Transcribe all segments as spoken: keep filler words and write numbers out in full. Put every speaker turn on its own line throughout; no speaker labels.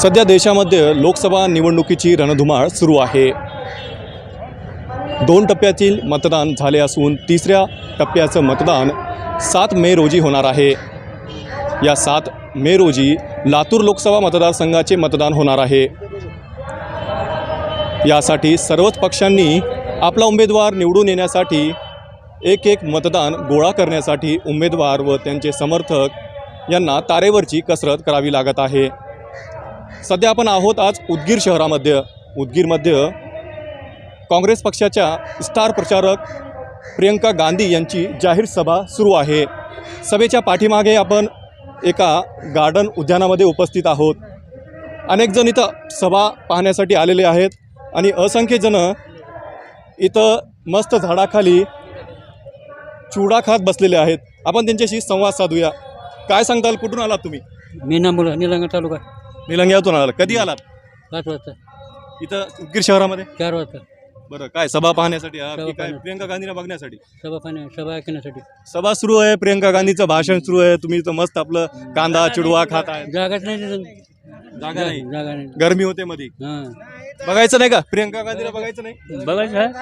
सध्या देशामध्ये लोकसभा निवडणुकीची रणधुमाळ सुरू आहे। दोन टप्प्यातील मतदान झाले असून तिसऱ्या टप्प्याचं मतदान सात मे रोजी होणार आहे। या सात मे रोजी लातूर लोकसभा मतदारसंघाचे मतदान होणार आहे। यासाठी सर्वच पक्षांनी आपला उमेदवार निवडून येण्यासाठी एक एक मतदान गोळा करण्यासाठी उमेदवार व त्यांचे समर्थक यांना तारेवरची कसरत करावी लागत आहे। सध्या आपण आहोत आज उदगीर शहरामध्ये। उदगीरमध्ये काँग्रेस पक्षाच्या स्टार प्रचारक प्रियंका गांधी यांची जाहीर सभा सुरू आहे। सभेच्या पाठीमागे आपण एका गार्डन उद्यानामध्ये उपस्थित आहोत। अनेक जण इथं सभा पाहण्यासाठी आलेले आहेत आणि असंख्य जण इथं मस्त झाडाखाली चुडा खात बसलेले आहेत। आपण त्यांच्याशी संवाद साधूया। काय सांगताल, कुठून आलात तुम्ही?
मी नांबोला निलंगा तालुका
निलंग्यातून आलात। कधी आलात?
पाच वाजता
इथं उदगीर शहरामध्ये?
चार वाजता।
बरं, काय सभा पाहण्यासाठी आहात
सभा
की काय
पाहण्या-
प्रियंका गांधींना बघण्यासाठी?
सभा पाहण्या सभा ऐकण्यासाठी।
सभा सुरू आहे, प्रियंका गांधीचं भाषण सुरू आहे, तुम्ही इथं मस्त आपलं कांदा चिडवा खात आहे।
जागाच नाही तिथं.
जागा नाही,
जागा नाही।
गरमी होते मध्ये।
हां
बघायचं नाही का प्रियंका गांधीला? बघायचं नाही,
बघायचं आहे?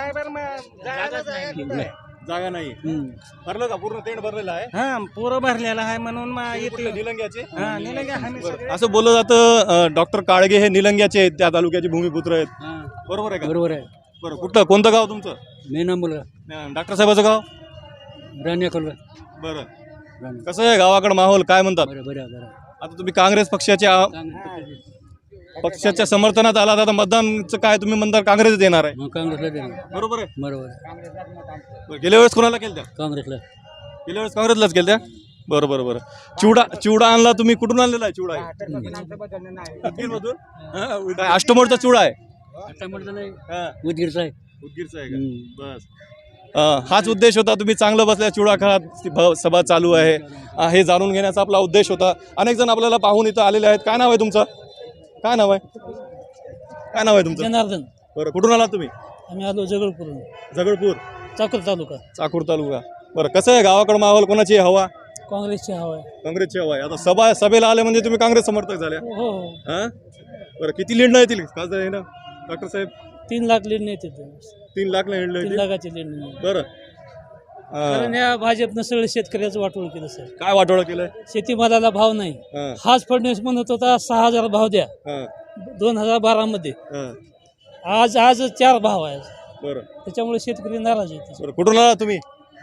जागा नाही।
हम्म.
भरलं का? पूर्ण टेंट भरलेलं आहे
हा पुरं भरलेला आहे म्हणून मग येते.
कुठलं? निलंग्याचे?
हा निलंगा आम्ही सगळे.
असं बोललं जातं डॉक्टर काळगे हे निलंग्याचे आहेत, त्या तालुक्याचे भूमिपुत्र आहेत,
हां
बरोबर आहे का?
बरोबर आहे।
बरं, कुठलं कोणतं गाव तुमचं?
मी नांबोला
डॉक्टर साहेबाचं गाव?
राण्या खोलवा
बरं,
राण्या.
कसं आहे गावाकडं माहोल? काय म्हणतात?
बरं बरं बरं
आता तुम्ही काँग्रेस पक्षाच्या
काँग्रेस
पक्षाच्या समर्थनात आलात, आता मतदानचं काय तुम्ही म्हणता काँग्रेस देणार आहे,
मग काँग्रेसला देणार।
बरोबर आहे?
बरोबर आहे।
बरं, गेल्या वेळेस कोणाला केलं त्या?
काँग्रेसला
गेल्या वेळेस काँग्रेसलाच केलं त्या? बरं बरं बरं। चिवडा चिवडा आणला तुम्ही, कुठून आणलेला आहे चिवडा? उदगीरमधून? हां, काय अष्टमोडचा चिवडा आहे?
आता म्हटलं नाही,
हां,
उदगीरचा आहे।
उदगीरचा आहे का? बस, अं, हाच उद्देश होता। तुम्ही चांगलं बसल्या चिवडा खात भ- सभा चालू आहे, अं, हे जाणून घेण्याचा आपला उद्देश होता। अनेक जण आपल्याला पाहून इथं आलेले आहेत। काय नाव आहे तुमचं? काय नाव आहे? काय नाव आहे तुमचं?
जनार्दन।
बरं, कुठून आलात तुम्ही?
आम्ही आलो जगळपूरून,
झगडपूर,
चाकूर तालुका।
चाकूर तालुका। बरं, कसं आहे गावाकडं माहोल? कोणाची आहे हवा?
काँग्रेसची हवा आहे।
काँग्रेसची हवा आहे। आता सभा सभेला आले म्हणजे तुम्ही काँग्रेस समर्थक झाल्या?
हो हो
हां, बरं, किती लीड येतील खासदार आहे ना डॉक्टर साहेब?
तीन लाख लीड नाही तिथे,
तीन लाख लीड
तीन
येतील?
लाखाची लीड नाही।
बरं,
कारण
अं,
या भाजपनं सगळं शेतकऱ्याचं वाटोळ केलं सर।
काय वाटोळं केलंय?
शेतीमालाला भाव नाही।
हां,
हाच फडणवीस म्हणत होता सहा हजार भाव द्या
हां,
दोन हजार बारा मध्ये,
हां,
आज आज चार भाव आहे,
बरं
त्याच्यामुळे शेतकरी नाराज आहे।
बरं, कुठून आला तुम्ही?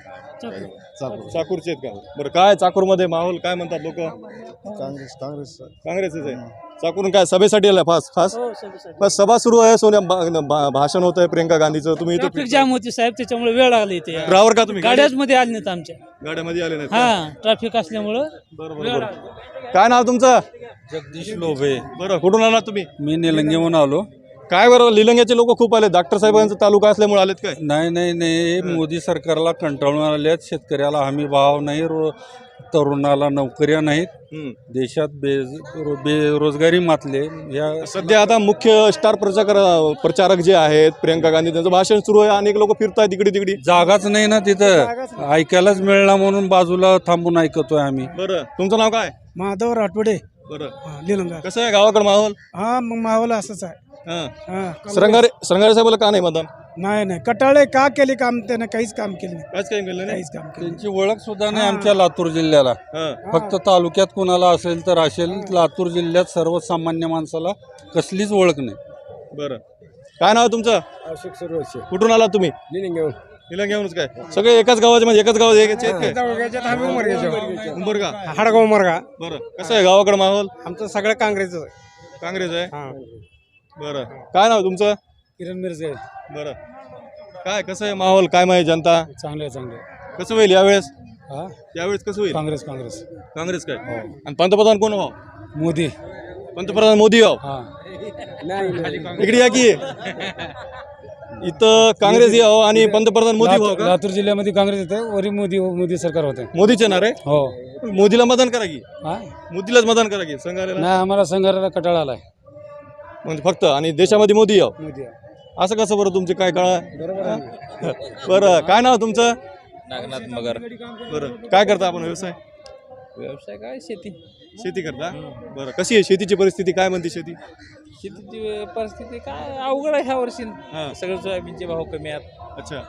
चाकूरचे आहेत का? बरं, काय चाकूरमध्ये माहोल काय म्हणतात लोक?
काँग्रेस काँग्रेस
काँग्रेसच आहे। चाकूरून काय सभेसाठी आला? खास खास
हो, सगळं-
बस सभा सुरू आहे, सोनिया भा- भा- भाषण होत आहे प्रियंका गांधीचं, तुम्ही
ट्रॅफिक
इथं
जाम होती साहेब, त्याच्यामुळे वेळ लागली इथे।
ड्रायव्हर का तुम्ही?
गाड्याच मध्ये आले नाहीत आमच्या,
गाड्यामध्ये आले नाहीत का?
हा ट्रॅफिक असल्यामुळं
बरं बरं बरं। काय नाव तुमचं?
जगदीश लोभे।
बरं, कुठून आलात तुम्ही?
मी निलंगेहून आलो।
काय बरं, लिलंग्याचे लोक खूप आले, डॉक्टर साहेबांचा तालुका असल्यामुळे आलेत काय?
नाही नाही नाही मोदी सरकारला कंटाळून आल्यात। शेतकऱ्याला हमी भाव नाही, रो तरुणाला नोकऱ्या नाहीत,
हम्म.
देशात बे बेरोजगारी मातले। या
सध्या आता मुख्य स्टार प्रचारक प्रचारक जे आहेत प्रियंका गांधी, त्यांचं भाषण सुरू आहे, अनेक लोक फिरतायत इकडे तिकडे।
जागाच नाही ना तिथं, ऐकायलाच मिळणार म्हणून बाजूला थांबून ऐकतोय आम्ही।
बरं, तुमचं नाव काय?
माधव राठोडे,
बरं,
निलंगा।
कसं आहे गावाकडे माहोल?
हा मग माहोल असंच आहे।
हां,
हा
श्रंगारे श्रंगारे साहेबाला का नाही मतदान?
नाही नाही कटाळे का केले काम, त्यानं काहीच काम केलं नाही,
काहीच काही केलं नाही?
काहीच काम केलं
त्यांची ओळख सुद्धा नाही आमच्या लातूर जिल्ह्याला।
हां,
फक्त तालुक्यात कुणाला असेल तर असेल, लातूर जिल्ह्यात सर्वसामान्य माणसाला कसलीच ओळख नाही।
बरं, काय नाव आहे तुमचं?
अशोक सर्वोच्च
कुठून आला तुम्ही?
निलंगेहून।
निलंग्याहूनच काय? सगळे एकाच गावाचे म्हणजे एकाच गावात एकाचे आहेत काय? उंबरगा?
हाडगाव मरगा।
बरं, कसं आहे गावाकडे माहोल?
आमचं सगळं काँग्रेसच आहे।
काँग्रेस आहे?
हा
बरं, काय नाव तुमचं?
किरण मिरजे।
बरं, काय कसं आहे माहोल? काय माहिती जनता
चांगले चांगले।
कसं होईल यावेळेस?
हा
यावेळेस कसं होईल?
काँग्रेस काँग्रेस
काँग्रेस काय? आणि पंतप्रधान कोण व्हावं?
मोदी।
पंतप्रधान मोदी व्हावं?
हा
इकडे या की इथं काँग्रेस यावं आणि पंतप्रधान मोदी व्हावं का?
लातूर जिल्ह्यामध्ये काँग्रेस येते, वरी मोदी मोदी सरकार होते।
मोदीच येणार आहे?
हो।
मोदीला मतदान करा की,
हा
मोदीलाच मतदान करा की संघाला,
नाही आम्हाला संघाला कटाळा आलाय
म्हणजे फक्त, आणि देशामध्ये मोदी यावं
मोदी।
असं कसं बरं? तुमचे काय कळा?
बरोबर
बरं, काय नाव तुमचं?
नागनाथ मगर.
बरं, काय करता आपण व्यवसाय?
व्यवसाय काय शेती
शेती करता बरं. कशी आहे शेतीची परिस्थिती, काय म्हणते शेती?
शेतीची परिस्थिती काय अवघड आहे ह्या वर्षी
हां.
सगळं सोयाबीनचे भाव कमी आहेत
अच्छा.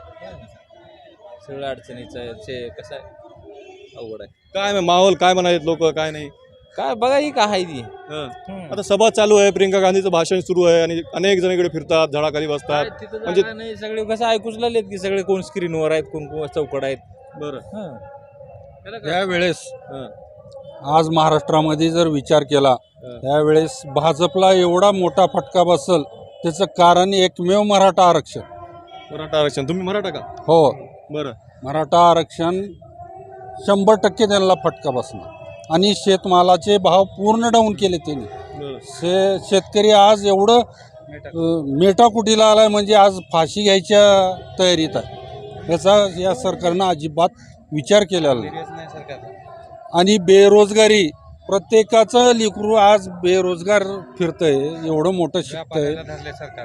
सगळं अडचणीचं आहे ते कसं आहे अवघड आहे
काय माहोल काय म्हणालेत लोक, काय नाही?
काय बघा ही काय आहे ती
हं. आता सभा चालू आहे, प्रियंका गांधीचं भाषण सुरू आहे आणि अनेक जण इकडे फिरतात, झाडाखाली
काय
बसतात.
तिथं
म्हणजे
जागा नाही सगळे कसं ऐकूच लागलेत की सगळे कोण स्क्रीनवर आहेत कोण कोण चौकड आहेत
बरं.
हं. त्याला काय?
यावेळेस
हं.
आज महाराष्ट्रामध्ये जर विचार केला
हं.
त्यावेळेस भाजपला एवढा मोठा फटका बसल त्याचं कारण एकमेव मराठा आरक्षण.
मराठा आरक्षण. तुम्ही मराठा का?
हो,
बरं.
मराठा आरक्षण शंभर टक्के त्यांना फटका बसणार आणि शेतमालाचे भाव पूर्ण डाऊन केले त्यांनी.
बरं.
शे शेतकरी आज एवढं अं, मेटाकुटीला आलाय म्हणजे आज फाशी घ्यायच्या तयारीत आहे. याचा या सरकारनं अजिबात विचार केलेला नाही.
Serious नाही सरकार
आणि बेरोजगारी प्रत्येकाचं लेकरू आज बेरोजगार फिरतंय, एवढं मोठं शिकतंय.
व्यापाऱ्याला धरले सरकार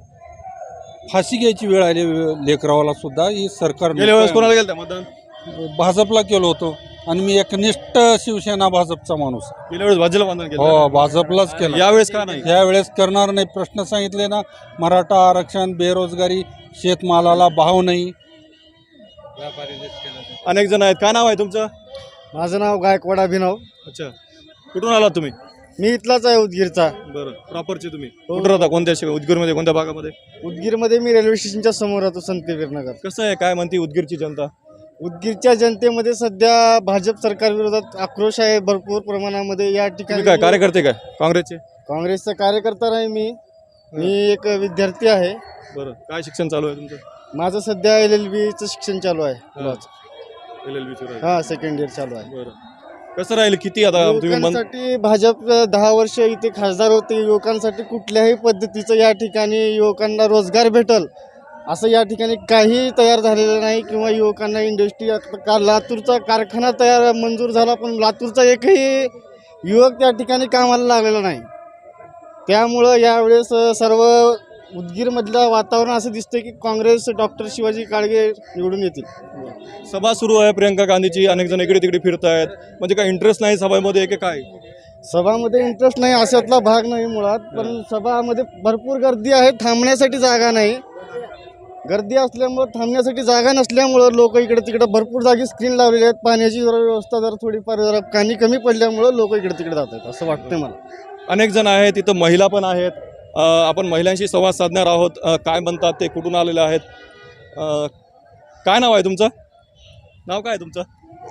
फाशी घ्यायची वेळ आली लेकरावाला सुद्धा. ही सरकार
गेल्या वेळेस कोणाला गेलं मतदान?
भाजपला केलं होतं आणि मी एकनिष्ठ शिवसेना भाजपचा माणूस आहे.
गेल्या वेळेस भाजपला मतदान केलं.
हो, भाजपलाच केलं.
यावेळेस का नाही?
यावेळेस करणार नाही. प्रश्न सांगितले ना, मराठा आरक्षण, बेरोजगारी, शेतमालाला भाव नाही.
व्यापारी केलं
अनेक जण आहेत. काय नाव आहे तुमचं?
माझं नाव गायकवाड अभिनव.
अच्छा. कुठून आलात तुम्ही?
मी इथलाच आहे उदगीरचा.
बरं. प्रॉपरचे तुम्ही कुठं राहता? कोणत्या शे- उदगीरमध्ये कोणत्या भागामध्ये?
उदगीरमध्ये मी रेल्वे स्टेशनच्या समोर राहतो, संतवीरनगर.
कसं आहे, काय म्हणते उदगीरची जनता?
उदगीरच्या जनतेमध्ये सध्या भाजप सरकार विरोधात आक्रोश आहे भरपूर प्रमाणामध्ये. या
तुम्ही
ठिकाणी
काय कार्यकर्ते काय काँग्रेसचे?
काँग्रेसचा कार्यकर्ता नाही मी. मी एक विद्यार्थी आहे.
बरं. काय शिक्षण चालू आहे तुमचं?
माझं सध्या एल एल बीचं शिक्षण चालू आहे.
L L B.
हा, सेकंड इयर चालू आहे.
बरं. कसं राहील? किती आता तुम्ही मन
युवकांसाठी भाजप दहा वर्ष इथे खासदार होते. युवकांसाठी कुठल्याही पद्धतीचं या ठिकाणी युवकांना रोजगार भेटल असं या ठिकाणी काही तयार झालेलं नाही. किंवा युवकांना इंडस्ट्री का लातूरचा कारखाना तयार मंजूर झाला पण लातूरचा एकही युवक त्या ठिकाणी कामाला लागलेला नाही. त्यामुळं यावेळेस सर्व उदगीरमधलं वातावरण असं दिसतंय की काँग्रेस डॉक्टर शिवाजी काळगे निवडून येतील.
सभा सुरू आहे प्रियंका गांधीची, अनेक जण इकडे तिकडे फिरत आहेत. म्हणजे काय इंटरेस्ट नाही सभामध्ये की काय?
सभामध्ये इंटरेस्ट नाही अशातला भाग नाही मुळात. पण सभामध्ये भरपूर गर्दी आहे, थांबण्यासाठी जागा नाही. गर्दी असल्यामुळं थांबण्यासाठी जागा नसल्यामुळं लोक इकडे तिकडे भरपूर जागी स्क्रीन लावलेले आहेत. पाण्याची जरा व्यवस्था जरा थोडीफार जरा पाणी कमी पडल्यामुळं लोक इकडे तिकडे जात आहेत असं वाटतंय मला.
अनेक जण आहेत, तिथं महिला पण आहेत. अ, आपण महिलांशी संवाद साधणार आहोत. अ, काय म्हणतात ते, कुठून आलेले आहेत? अ, काय नाव आहे तुमचं? नाव काय आहे तुमचं?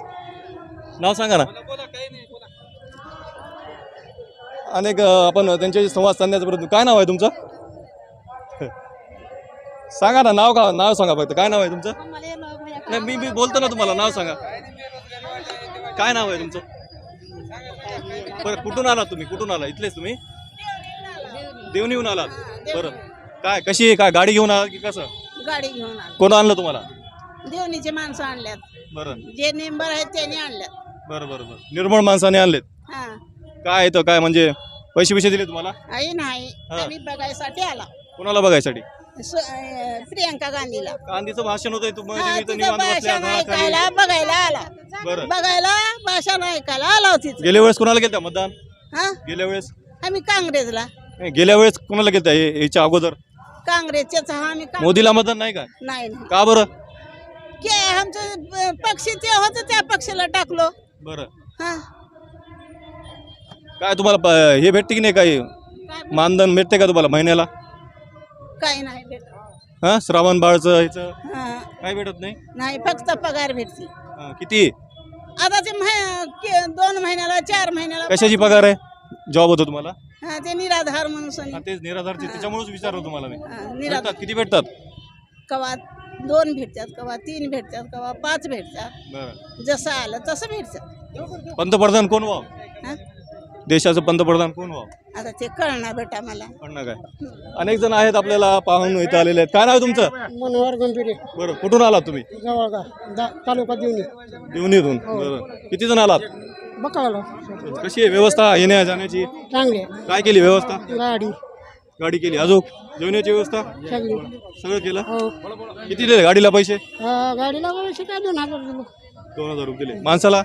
नाव सांगा ना. अनेक अ, आपण त्यांच्याशी संवाद साधण्याचा प्रयत्न. काय नाव आहे तुमचं? सांगा ना, नाव का नाव सांगा फक्त. काय नाव आहे तुमचं? नाही, मी मी बोलतो ना तुम्हाला, नाव सांगा. काय नाव आहे तुमचं? बरं. कुठून आलात तुम्ही? कुठून आला? इथलेच तुम्ही? देवणीहून आलात. बरं. काय कशी आहे? काय गाडी घेऊन आलात की कसं?
गाडी घेऊन आलो.
कोण आणलं तुम्हाला?
देवणीचे माणसं आणल्यात.
बरं
जे मेंबर आहेत त्यांनी आणल्यात.
बरं बरं बरं. निर्मळ माणसाने आणलेत.
हा,
काय येतं काय म्हणजे पैसे पैसे दिले तुम्हाला?
आई नाही,
हा.
आम्ही बघायसाठी आला.
कोणाला बघायसाठी?
सु- अं, प्रियंका गांधीला.
गांधीचं भाषण होतंय तुम्ही
हा,
तुम्ही इथं
तिथं
निवांत बसल्या
भाषण
झाडाखाली.
ऐकायला बघायला आला.
बरं.
बघायला भाषण ऐकायला आला होती.
गेल्या वेळेस कोणाला गेलता मतदान?
हा,
गेल्या वेळेस
आम्ही काँग्रेसला.
नाही, गेल्या वेळेस कोणाला गेलता? हे- याच्या अगोदर
काँग्रेसच्याच हा आम्ही काँग्रेस-
मोदीला मतदान नाही का?
नाही नाही
का बरं?
के आमचं अं, पक्ष ते होतं त्या पक्षाला टाकलो.
बरं.
हा,
काय तुम्हाला प- हे भेटते की नाही? काही
काय
मानधन भेटते का तुम्हाला महिन्याला?
काही नाही भेटत.
हा, श्रावण बाळचं ह्याचं
हा,
काय भेटत नाही?
नाही फक्त पगार भेटते.
हा, किती?
आता ते मह- के- दोन महिन्याला चार महिन्याला
कशाची पगार आहे? जॉब होतो तुम्हाला?
हा, ते निराधार म्हणून सनी.
हा, तेच निराधारचे, त्याच्यामुळेच विचारलं तुम्हाला मी.
हा, निराधार
भेटतात किती भेटतात?
कवा दोन भेटतात, कवा तीन भेटतात, कवा पाच भेटतात.
बरं.
जसं आलं तसं भेटतात.
पंतप्रधान कोण व्हावं?
हा,
देशाचं पंतप्रधान कोण व्हावं?
आता ते कळणार बेटा मला.
म्हणणं काय? अनेक जण आहेत आपल्याला पाहून इथं आलेले आहेत. काय नाव आहे तुमचं?
मनोहर गंभीरे,
बरं. कुठून आलात तुम्ही?
जवळगा तालुका देवणी.
देवणीतून. बरं. किती जण आलात?
बकाळा
कशी आहे व्यवस्था येण्या जाण्याची?
चांगले.
काय केली व्यवस्था?
गाडी
गाडी केली. अजून जेवणाची व्यवस्था
सगळी.
सगळं केलं.
हो,
किती दिले गाडीला पैसे?
गाडीला पैसे काय दोन हजार दिलो.
दोन हजार रुपये दिले. माणसाला?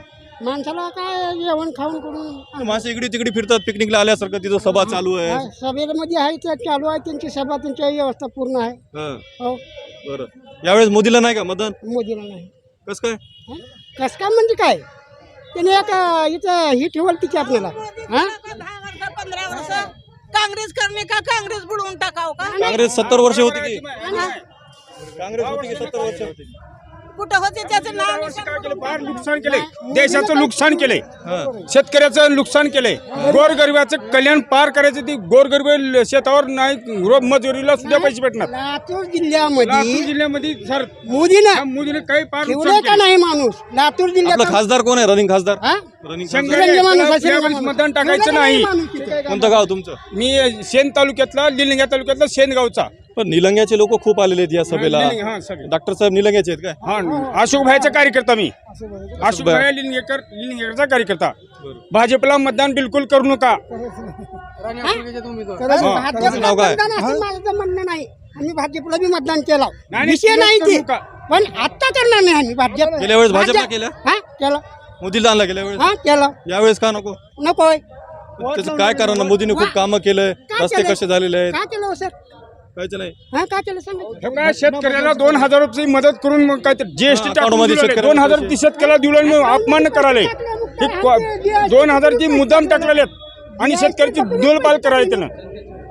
माणसाला काय जेवण खाऊन करून
माणसं इकडे तिकडे फिरतात पिकनिकला आल्यासारखं तिथं सभा चालू आहे.
सभेमध्ये आहे ते चालू आहे त्यांची सभा त्यांची व्यवस्था पूर्ण आहे.
हं,
हो
बरं. यावेळेस मोदीला नाही का मतदान?
मोदीला नाही.
कसं काय?
कसं काय म्हणजे काय त्याने एक अं, इथं ही ठेवल ती की आपल्याला हां
दहा वर्ष पंधरा वर्ष काँग्रेस करणे का काँग्रेस बुडवून टाकाव का
काँग्रेस सत्तर वर्ष होती की काँग्रेस होती की सत्तर वर्ष होती?
कुठं होते त्याचं नाव
फार नुकसान केलंय, देशाचं नुकसान केलंय,
हं,
शेतकऱ्याचं नुकसान केलंय, गोरगरिबाचं कल्याण पार करायचं. ती गोरगरीब शेतावर नाही रोज मजुरीला सुद्धा पैसे भेटणार.
लातूर
लातूर
जिल्ह्यामध्ये
जिल्ह्यामध्ये सर
मोदीनं
मोदीने काही फार
ठेवलंय
नुकसान
का
केलंय.
नाही माणूस लातूर
आपला
जिल्ह्यात
खासदार कोण आहे? रनिंग खासदार
हां
रनिंग
शंकर
खासदार
तिरंगी माणूस
यावेळेस
असेल माणूस.
मतदान टाकायचं
ठेवलं का
नाही.
माणूस तिथे?
कोणतं गाव तुमचं?
मी शेण तालुक्यातला निलंग्या तालुक्यातला शेणगावचा.
पण निलंग्याचे लोक खूप आलेले आहेत या सभेला.
निलंगे, हा, सगळे.
डॉक्टर साहेब निलंग्याचे आहेत काय?
हा अशोक भाईचा कार्यकर्ता मी अशोक भाई लिंगेकर लिंगेकरचा कार्यकर्ता. भाजपला मतदान बिलकुल करू नका.
खरंच
हा,
भाजप
तुमचं नाव काय?
मतदान असं माझं तर म्हणणं नाही. आम्ही भाजपला बी मतदान केलं
नाही,
विषय नाही
करू
ते
नका.
पण आता करणार नाही आम्ही भाजप.
गेल्या वेळेस भाजपला
भाजप-
केलं?
हा केलं
मोदीला आणला गेल्या वेळेस,
हा केलं
यावेळेस का नको?
नको होय.
त्याचं काय कारण? मोदीने खूप कामं केलंय,
काय
रस्ते
केलंय?
कसे झालेले आहेत,
का केलं हो सर
काहीच नाही.
हा का केलं सांगा.
हे काय शेतकऱ्याला दोन हजार रुपये मदत करून मग काय जीएसटी
हा, अकाउंटमध्ये शेतकऱ्याला
दोन हजार
पैसे.
ती शेतकऱ्याला दिलं मग अपमान करायला हे को- दोन हजारची मुद्दाम टाकलेले आहेत आणि शेतकऱ्याची दोलपाल करायला त्यानं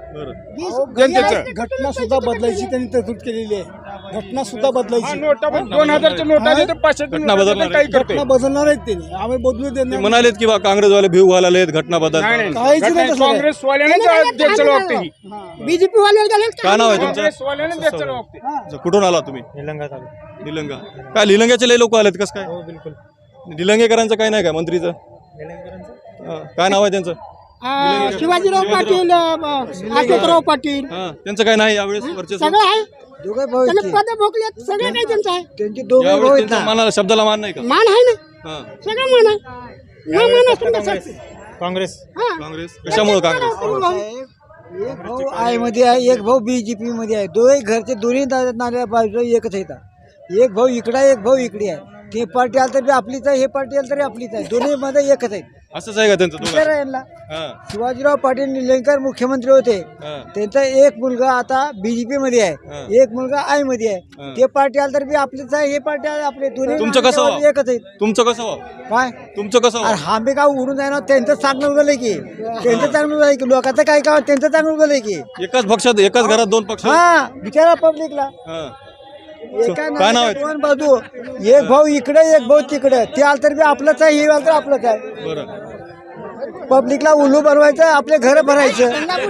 जनतेचं.
घटना सुद्धा बदलायची त्यांनी तरतूद केलेली आहे. घटना सुद्धा
हा,
बदलायची.
नोटा दोन हजारच्या नोटा देतो, पाचशे
घटना बदलणार आहे.
काही करतोय.
घटना बदलणार आहेत त्यांनी आम्ही बदलू
ते
देणार
म्हणालेत की बा काँग्रेसवाले भिव घालाले आहेत, घटना बदल.
नाही, नाही.
काहीच नाही
घटना
तसं.
काँग्रेसवाल्यानेच द्यायचं वागते ही.
बीजेपी वाले गेले
काय नाव आहे तुमचं?
काँग्रेसवाल्यानेच द्यायचं वागते.
अच्छा, कुठून आला तुम्ही? निलंगा. काय निलंग्याचे लय लोक आलेत, कसं काय?
बिलकुल
निलंगेकरांचं काय नाही काय मंत्रीचं? हा, काय नाव आहे त्यांचं?
शिवाजीराव पाटील अं, अशोकराव पाटील
हा, त्यांचं काय नाही यावेळेस वर्चस्व?
सगळं आहे.
दोघे भाऊ
त्यांनी पद भोगलेत सगळं काही त्यांचं आहे.
त्यांचे दोघे
यावेळेस
भाऊ आहेत
त्यांच्या
ना.
मनाला शब्दाला मान नाही का?
मान आहे ना
हा,
सगळं मान आहे ना मान असून कसं
काँग्रेस
हा
काँग्रेस कशामुळे काँग्रेस?
एक भाऊ आय मध्ये आहे, एक भाऊ बीजेपी मध्ये आहे. दोघे घरचे दोन्ही नाल्या बाजू एकच आहेत. एक भाऊ इकडे आहे, एक भाऊ इकडे आहे. ते पार्टी आलं तरी आपलीच आहे, हे पार्टी आलं तरी आपलीच आहे. दोन्ही मध्ये एकच आहेत.
असंच आहे का त्यांचं
विचार
दोघं?
आहे यांना.
हा,
शिवाजीराव पाटील निलंगेकर मुख्यमंत्री होते.
हा,
त्यांचा एक मुलगा आता बीजेपी मध्ये
हा.
आहे, एक मुलगा आय मध्ये
हा.
आहे. ते पार्टी आलं तर बी आपलीच आहे, हे पार्टी आलं आपले दोन्ही
तुमचं कसं
नाल्यावर
व्हावं?
एकच आहेत.
तुमचं कसं व्हावं?
काय
तुमचं कसं
अरे
व्हावं?
आम्ही काय उडून जाणार त्यांचं चांगलं उगलंय की त्यांचं चांगलं उगलंय की लोकांचं काय काय त्यांचं चांगलं उगलंय की
एकाच पक्षात एकाच घरात दोन पक्ष?
हा बिचारा पब्लिकला
हा.
एका
काय नाव
नाण्याच्या
आहे?
दोन बाजू एक भाऊ इकडे एक भाऊ तिकडे ते आलं तर बी आपलंच आहे, हे आलं तर आपलंच आहे.
बरं.
पब्लिकला उल्लू बनवायचं, आपले घर भरायचं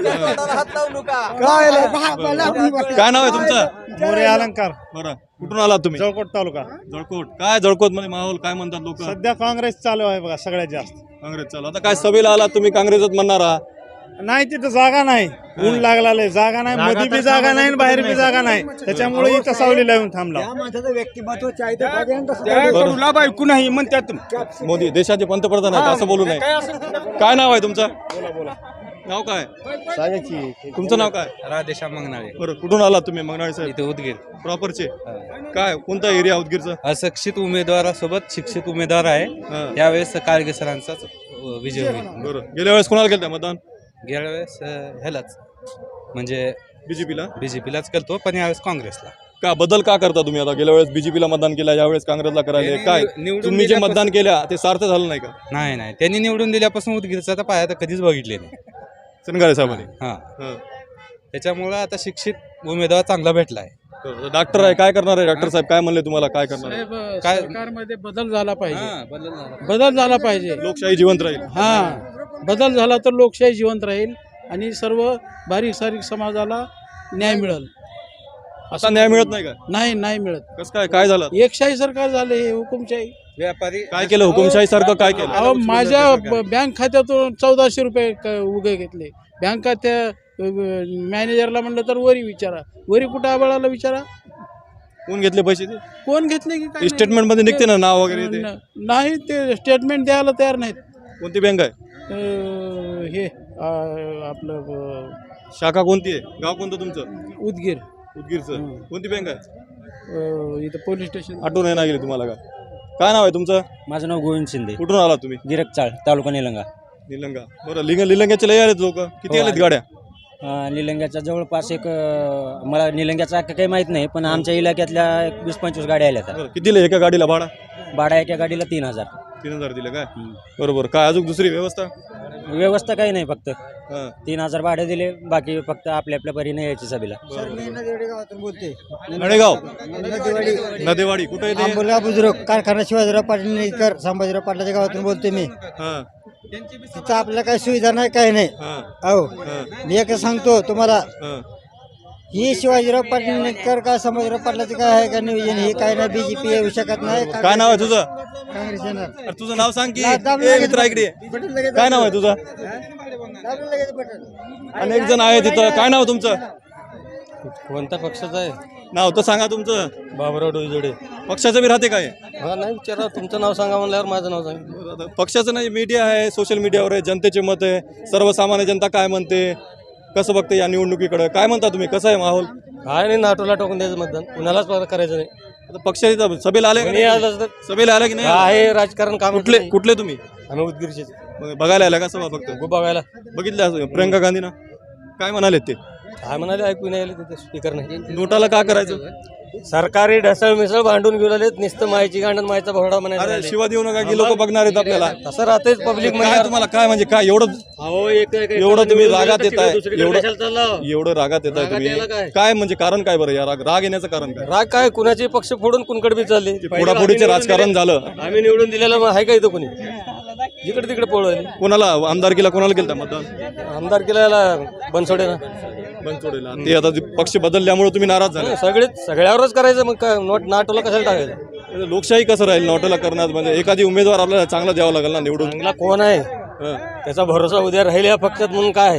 काय
काय नाव आहे तुमचं?
मोरे अलंकार
बरं, कुठून आलात तुम्ही?
जळकोट तालुका.
जळकोट. काय जळकोट मध्ये माहोल काय म्हणतात लोक?
सध्या काँग्रेस चालू आहे बघा सगळ्यात जास्त.
काँग्रेस चालू. आता काय सभेला आलात तुम्ही, काँग्रेसच म्हणणार आहात?
नाही तिथं जागा नाही, ऊन लागला जागा नाही, मध्ये बी जागा नाही आणि बाहेर बी जागा नाही, त्याच्यामुळे इथं सावलीला येऊन थांबला. माणसाचं व्यक्तिमत्व
त्या करूला बायको नाही म्हणतात.
मोदी देशाचे पंतप्रधान आहेत असं बोलू नये. काय नाव आहे तुमचं? नाव काय? तुमचं नाव काय?
राधेश्याम मंगनाळे.
बरं, कुठून आलात तुम्ही? मंगनाळे साहेब
इथे उदगीर.
प्रॉपरचे. काय कोणता एरिया उदगीरचा?
अशिक्षित उमेदवारासोबत शिक्षित उमेदवार आहे.
हा.
यावेळेस काळगे सरांचाच विजय होईल.
बरं, गेल्या वेळेस कोणाला केलं मतदान?
गेल्या वेळेस अं, ह्यालाच म्हणजे
बीजेपीला.
बीजेपीलाच करतो, पण यावेळेस काँग्रेसला.
का बदल का करता तुम्ही? आता गेल्या वेळेस बीजेपीला मतदान केलं, यावेळेस काँग्रेसला करायला
हे
काय?
निवडून
तुम्ही जे
दिल्यापासून-
मतदान केल्या ते सार्थ झालं नाही का?
नाही नाही त्यांनी निवडून दिल्यापासून उदगीरचा तर पाया तर कधीच बघितले नाही.
सनगारे साहेबांनी.
हां,
हा.
त्याच्यामुळं आता शिक्षित उमेदवार चांगला भेटला आहे.
बरं, डॉक्टर आहे, काय करणार आहे? डॉक्टर साहेब काय म्हणले तुम्हाला? काय करणार आहे?
साहेब
काय-
सरकारमध्ये बदल झाला पाहिजे.
हां, बदल झाला.
बदल झाला पाहिजे.
लोकशाही जिवंत राहील.
हा बदल झाला तर लोकशाही जिवंत राहील आणि सर्व बारीक सारीक समाजाला न्याय मिळेल.
असा न्याय मिळत नाही का?
नाही नाही मिळत.
कसं काय? काय झालं?
एकशाही सरकार झाले हे हुकुमशाही.
व्यापारी
काय केलं? हुकुमशाही सारखं काय केलं?
अहो माझ्या ब- बँक खात्यातून चौदाशे रुपये क- उगे घेतले. बँक खात्या अ, मॅनेजरला म्हणलं तर वरी विचारा, वरी कुठं आबळाला विचारा
कोण घेतले पैसे ते?
कोण घेतले की काय
स्टेटमेंट मध्ये निघते ना नाव वगैरे ते?
न- नाही ते स्टेटमेंट द्यायला तयार नाहीत.
कोणती बँक आहे?
अ, हे अ, आपलं अ,
शाखा कोणती आहे? गाव कोणतं तुमचं?
उदगीर
उदगीरचं. कोणती बँक आहे?
अ, इथं पोलीस स्टेशन.
आठवण आहे ना गेली तुम्हाला का? काय नाव आहे तुमचं?
माझं नाव गोविंद शिंदे,
कुठून आला तुम्ही?
गिरकचाळ, तालुका निलंगा.
निलंगा. बरं, लिंग लिलंग्याचे लय आलेत लोक, किती
हो,
आलेत
आले.
गाड्या?
अं, निलंग्याच्या जवळपास एक अं, मला निलंग्याचा काही माहीत नाही, पण आमच्या इलाक्यातल्या एक वीस पंचवीस गाड्या आल्या
बरं, किती दिले एका गाडीला भाडा?
भाडा एका गाडीला तीन हजार.
तीन हजार दिले काय? बरोबर. काय अजून दुसरी व्यवस्था?
व्यवस्था काही नाही, फक्त
हां.
तीन हजार भाडे दिले, बाकी फक्त आपल्या आपल्या परीने यायची सभेला.
नळेगाव नदेवाडी कुठे येते?
आंबोला बुजुर्ग कारखाना शिवाजीराव पाटील निलकर संभाजीराव पाटलाच्या गावातून बोलतोय मी.
हां
तिथं आपल्याला काही सुविधा नाही, काही नाही.
हां
अहो
हां
मी एक सांगतो तुम्हाला,
हां.
ही शिवाजीराव पाटील निलकर का संभाजीराव पाटलाचं काय आहे का नियोजन, हे काय नाही, बीजेपी येऊ शकत नाही.
काय नाव आहे तुझं?
काँग्रेस येणार.
अरे तुझं नाव सांग की.
ला- दाबून
ए,
लगेच
मित्रा इकडे ये.
बटन लगेच
काय नाव आहे तुझं?
दाबून लगेच बटन.
अनेक जण आहे तिथं. काय नाव तुमचं?
कोणत्या पक्षाचा आहे?
नाव तर सांगा तुमचं.
बाबुराव डोईजोडे.
पक्षाचं बी राहते काय?
हा नाही विचारा, तुमचं नाव सांगा म्हणल्यावर माझं नाव सांगा.
आता पक्षाचं नाही, मीडिया आहे, सोशल मीडियावर आहे, जनतेचे मत आहे, सर्वसामान्य जनता काय म्हणते, कसं बघते या निवडणुकीकडे, काय म्हणता तुम्ही? कसं आहे माहोल?
काय नाही, नाटोला टाकून द्यायचं मतदान, कुणालाच करायचं नाही.
आता पक्षाच्या सभेला आले का
कोणी
नाही?
आलं तर
सभेला आले की नाही?
आहे राजकारण काम
कुठले कुठले तुम्ही?
आम्ही उदगीरचे
मग बघायला आला का सभा फक्त?
बघायला.
बघितलं असं प्रियंका गांधीना काय म्हणाले ते?
काय म्हणाले ऐकू नाही आले तिथे, स्पीकर नाही.
नोटाला का करायचं?
सरकारी ढसळ मिसळ भांडून घेऊन आलेत, नुसतं माहिती गांडण मायचा भरडा
अरे
म्हणायला.
शिवा देऊ नका की लोक बघणार आहेत आपल्याला.
तसं राहतेच पब्लिक
काय तुम्हाला काय म्हणजे काय एवढं एवढं तुम्ही रागात येत आहे, एवढं एवढं रागात येत आहे
रागात यायला
तुम्ही?
काय?
काय म्हणजे कारण काय बरं? या राग राग येण्याचं कारण काय?
राग काय, कुणाचे पक्ष फोडून कुणकडे बी चालले.
फोडाफोडीचे राजकारण झालं.
आम्ही निवडून दिलेलं मग आहे का इथं कोणी? जिकडे तिकडे पळवले.
कोणाला आमदारकीला कोणाला केलं मतदान?
आमदार केला बनसोडे ना.
बनसोडेला. ते आता जे पक्ष बदलल्यामुळे तुम्ही नाराज झाले.
सगळेच सगळ्यावरच करायचं, मग काय नोट नाटोला कशाला टाकायचं?
लोकशाही कसं राहील नोटाला करण्यात? म्हणजे एखादी उमेदवार आपल्याला चांगला द्यावा लागेल ना निवडून.
चांगला कोण आहे
हं.
त्याचा भरोसा उद्या राहील या पक्षात म्हणून काय?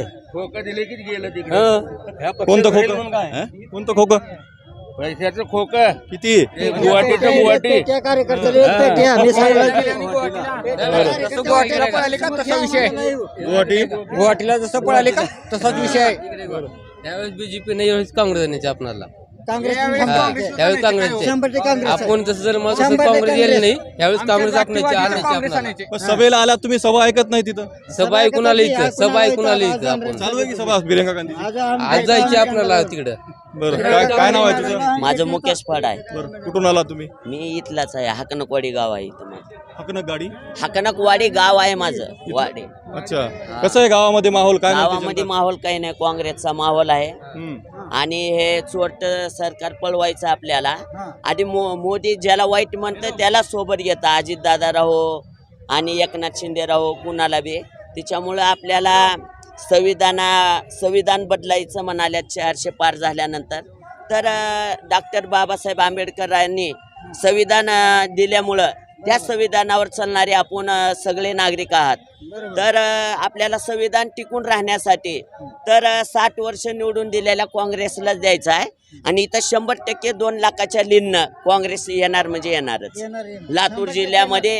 कोणतं खोकं? हं? कोणतं खोकं?
पैशाचं खोक
किती?
गुवाहाटीचं गुवाहाटी
त्या कार्यकर्त्याला एक पेट्या, मी सांगितलं.
गुवाहाटीला पळाले का तसा विषय?
गुवाहाटी
गुवाहाटीला जसं पळाले का तसाच विषय आहे.
त्यावेळेस बीजेपी नाही, यावेळेस काँग्रेस आणायची आपल्याला.
काँग्रेस
त्यावेळेस काँग्रेसचे.
शंभर टक्के काँग्रेस आहे.
आपण तसं जर मग
शंभर
काँग्रेस
टक्के
गेले नाही,
काँग्रेस.
यावेळेस काँग्रेस आणायची आणायची आपल्याला.
पण सभेला आलात तुम्ही, सभा ऐकत नाही तिथं.
सभा ऐकून आली इथं, सभा ऐकून आली इथं आपण.
चालू आहे की सभा प्रियंका गांधी?
आज आम-
आज जायची आपल्याला तिकडं.
बरं, काय काय नाव आहे तुझं?
माझं मुकेश फड आहे.
बरं, कुठून आला तुम्ही?
मी इथलाच आहे, हाकनकवाडी गाव आहे इथं माझं.
हकनक गाडी.
हाकनकवाडी गाव आहे माझं, वाडी.
अच्छा, कसं आहे गावामध्ये माहोल? काय म्हणते
गावामध्ये
जनता?
माहोल काही नाही, काँग्रेसचा माहोल आहे.
हं.
आणि हे चोट सरकार पळवायचं आपल्याला. आधी मो मोदी ज्याला वाईट म्हणतं त्याला सोबत घेतं, अजितदादा राहो आणि एकनाथ शिंदे राहो, कुणाला बी. त्याच्यामुळं आपल्याला संविधाना संविधान बदलायचं म्हणाल्या चारशे पार झाल्यानंतर. तर डॉक्टर बाबासाहेब आंबेडकरांनी संविधान अ, दिल्यामुळं त्या संविधानावर चालणारे आपण अ, सगळे नागरिक आहात. तर अ, आपल्याला संविधान टिकून राहण्यासाठी तर अ, साठ वर्ष निवडून दिलेल्या काँग्रेसलाच द्यायचं आहे. आणि इथं शंभर टक्के दोन लाखाच्या लीननं काँग्रेस येणार म्हणजे येणारच. लातूर जिल्ह्यामध्ये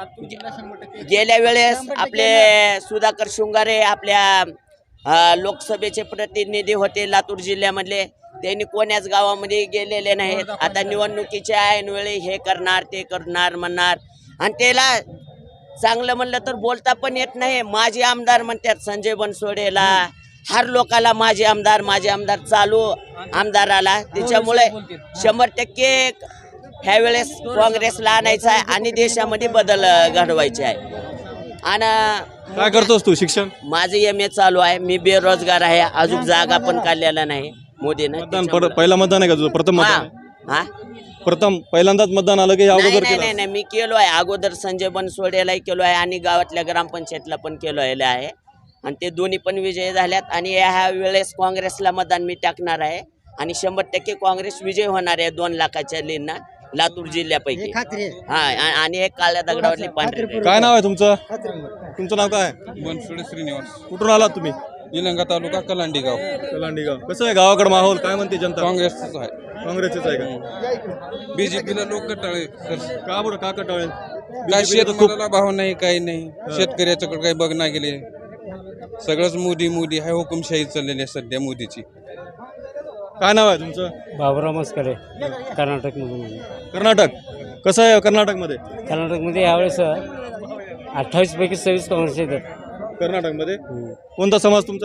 गेल्या वेळेस आपले सुधाकर शृंगारे आपल्या अ, लोकसभेचे प्रतिनिधी होते लातूर जिल्ह्यामधले. त्यांनी कोण्याच गावामध्ये गेलेले नाहीत. आता निवडणुकीच्या ऐनवेळी हे करणार ते करणार म्हणणार. आणि त्याला चांगलं म्हणलं तर बोलता पण येत नाही. माझे आमदार म्हणतात संजय बनसोडेला, हर लोकाला माझे आमदार माझे आमदार चालू आमदाराला. त्याच्यामुळे शंभर टक्के ह्यावेळेस काँग्रेसला आणायचं आहे आणि देशामध्ये बदल घडवायचे आहे. आणि
काय करतोस तू? शिक्षण?
माझं एम ए चालू आहे. मी बेरोजगार आहे, अजून जागा पण काढलेला नाही मोदीनं.
मतदान पर- पहिला मतदान आहे का तुझं? प्रथम
हा
मतदान आहे?
हा
प्रथम पहिल्यांदाच मतदान आलं की या
नाही
अगोदर
नाही
केलं?
नाही नाही, मी केलो आहे अगोदर. संजय बनसोडेलाही केलो आहे आणि गावातल्या ग्रामपंचायतला पण केलो आहे. आणि ते दोन्ही पण विजय झाल्यात. आणि ह्या वेळेस काँग्रेसला मतदान मी टाकणार आहे आणि शंभर टक्के काँग्रेस विजय होणार आहे दोन लाखाच्या लीनना लातूर जिल्ह्यापैकी.
खात्री आहे.
हा आ- आणि हे काळ्या दगडावरली पांढरे रेघ.
काय नाव आहे तुमचं? तुमचं नाव काय?
बनसोडे श्रीनिवास,
कुठून आलात तुम्ही?
निलंगा तालुका, कलांडी गाव.
कलांडी गाव. कसं आहे गावाकडे माहोल? काय म्हणते जनता?
काँग्रेसच आहे.
काँग्रेसच आहे का?
बीजेपीला लोक कटाळे.
का बरं? का कटाळे?
काय
BJP ला तर खूप
शेतमालाला भाव नाही, काही नाही. शेतकऱ्याच्याकडे काही बघणार गेले. सगळंच मोदी मोदी आहे, हुकुमशाही चाललेली आहे सध्या मोदीची.
काय नाव आहे तुमचं?
बाबुराव मस्करे, कर्नाटक मधून.
कर्नाटक. कसं आहे कर्नाटकमध्ये?
कर्नाटकमध्ये यावेळेस अठ्ठावीस पैकी सव्वीस काँग्रेस येतात.
कर्नाटकमध्ये कोणता समाज तुमचा?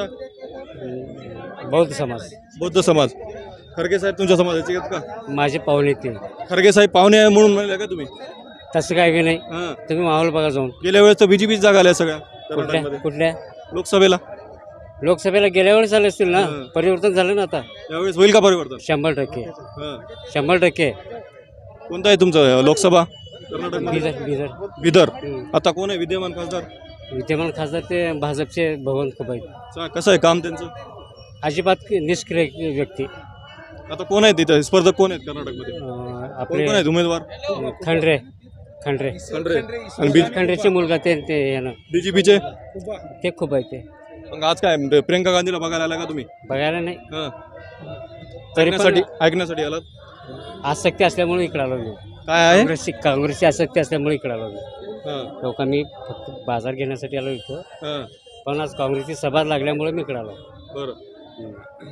बौद्ध समाज.
बौद्ध समाज. खरगे साहेब तुमच्या समाजाचे आहेत का?
माझे पाहुणे ते.
खरगे साहेब पाहुणे आहे म्हणून म्हणले का तुम्ही?
तसं काय की नाही,
हां.
तुम्ही माहोल बघा जाऊन.
गेल्या वेळेस तर बीजेपी जागा आल्या सगळ्या
कुठल्या
कर्नाटकमध्ये
कुठल्या
लोकसभेला.
लोकसभेला गेल्या वेळेस झाले असतील ना.
हं.
परिवर्तन झालं ना आता.
यावेळेस होईल का परिवर्तन?
शंभर टक्के
हां.
शंभर टक्के.
कोणता आहे तुमचं लोकसभा कर्नाटकमध्ये?
बिदर बिदर
बिदर.
हं.
आता कोण आहे विद्यमान खासदार?
विद्यमान खासदार ते भाजपचे भगवंत खुबाई.
चा- कसं आहे काम त्यांचं?
अजिबात निष्क्रिय व्यक्ती.
आता कोण आहेत तिथं स्पर्धक कोण आहेत कर्नाटकमध्ये?
अं,
कोण
आपले
कोण आहेत उमेदवार?
खंडरे खंडरे
खंडरे आणि बी
खंडरेचे मुलगा ते ते यानं
बीजेपीचे.
ते खूप आहे ते.
मग आज काय प्रियंका गांधीला बघायला आला का तुम्ही?
बघायला नाही
हां.
तरी
ऐकण्यासाठी
पण
ऐकण्यासाठी आलात?
आसक्ती असल्यामुळे इकडे आलो मी.
काय आहे?
काँग्रेसची काँग्रेसची आसक्ती असल्यामुळे इकडे आलो मी.
हां.
लोकांनी फक्त बाजार घेण्यासाठी आलो इथं,
हां.
पण आज काँग्रेसची सभा लागल्यामुळे मी इकडे आलो.
बरं.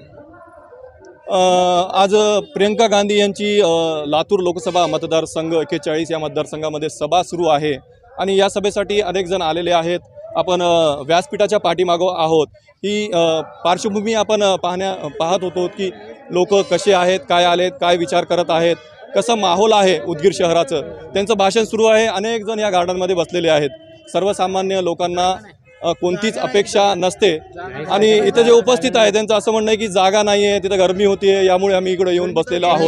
अ, आज प्रियंका गांधी यांची अ, लातूर लोकसभा मतदारसंघ एक्केचाळीस या मतदारसंघामध्ये सभा सुरू आहे आणि या सभेसाठी अनेक जण आलेले आहेत. आपण अ, व्यासपीठाच्या पाठीमागं आहोत. ही अ, पार्श्वभूमी आपण अ, पाहण्या पाहत होतो की लोक कसे आहेत, काय आलेत, काय विचार करत आहेत, कसं माहोल आहे उदगीर शहराचं. त्यांचं भाषण सुरू आहे. अनेक जण या गार्डनमध्ये बसलेले आहेत. सर्वसामान्य लोकांना अ, कोणतीच अपेक्षा नसते आणि इथं जे उपस्थित आहे त्यांचं असं म्हणणं आहे की जागा नाही आहे, तिथं गरमी होती आहे, यामुळे आम्ही इकडे येऊन बसलेलो आहोत.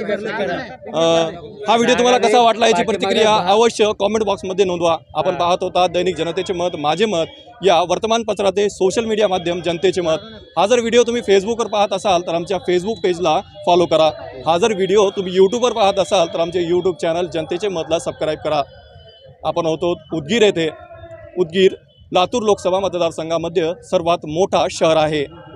अ, हा व्हिडिओ तुम्हाला कसा वाटला याची प्रतिक्रिया अवश्य कॉमेंट बॉक्समध्ये नोंदवा. आपण पाहत होता दैनिक जनतेचे मत माझे मत या वर्तमानपत्राचे सोशल मीडिया माध्यम जनतेचे मत. हा जर व्हिडिओ तुम्ही फेसबुकवर पाहत असाल तर आमच्या फेसबुक पेजला फॉलो करा. हा जर व्हिडिओ तुम्ही यूट्यूबवर पाहत असाल तर आमचे यूट्यूब चॅनल जनतेचे मतला सबस्क्राईब करा. आपण होतो उदगीर येथे. उदगीर लातूर लोकसभा मतदारसंघामध्ये सर्वात मोठा शहर आहे.